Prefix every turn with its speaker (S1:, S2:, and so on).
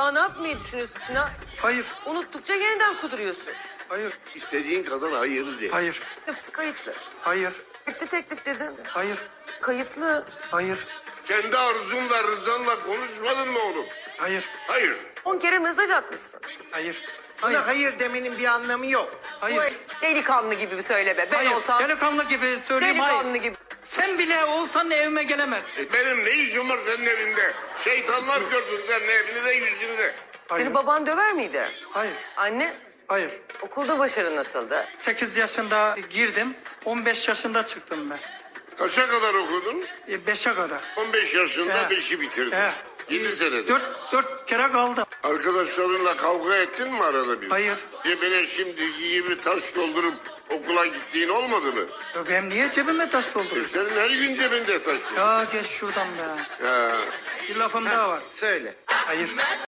S1: Daha ne yapmayı düşünüyorsun Sinan?
S2: Hayır.
S1: Unuttukça yeniden kuduruyorsun.
S2: Hayır.
S3: İstediğin kadar hayır de.
S2: Hayır.
S1: Hepsi kayıtlı.
S2: Hayır.
S1: Bitti teklif dedin.
S2: Hayır.
S1: Kayıtlı.
S2: Hayır.
S3: Kendi arzunla rızanla konuşmadın mı oğlum?
S2: Hayır.
S3: Hayır.
S1: 10 kere mesaj atmışsın.
S2: Hayır.
S4: Buna hayır demenin bir anlamı yok.
S2: Hayır.
S1: Delikanlı gibi bir söyleme. Ben
S2: Hayır.
S1: olsam
S2: Delikanlı gibi söyleyeyim.
S1: delikanlı
S2: Hayır.
S1: gibi.
S2: Sen bile olsan evime gelemezsin.
S3: Benim ne işim var senin evinde? Şeytanlar gördün senin evini de yüzünü de.
S2: Hayır.
S1: Seni baban döver miydi?
S2: Hayır.
S1: Anne,
S2: Hayır.
S1: okulda başarın nasıldı?
S2: 8 yaşında girdim. 15 yaşında çıktım ben.
S3: Kaça kadar okudun?
S2: 5'e kadar.
S3: 15 yaşında
S2: Evet.
S3: 5'i bitirdin.
S2: Evet.
S3: 7 senedir.
S2: 4 kere kaldım.
S3: Arkadaşlarınla kavga ettin mi arada bir?
S2: Hayır.
S3: Cebine şimdiki gibi taş doldurup okula gittiğin olmadı mı?
S2: Ben niye cebime taş dolduruyorum?
S3: Senin her gün cebinde taş var.
S2: Ya geç şuradan be.
S3: Ya.
S2: Bir lafım daha var.
S4: Söyle.
S2: Hayır.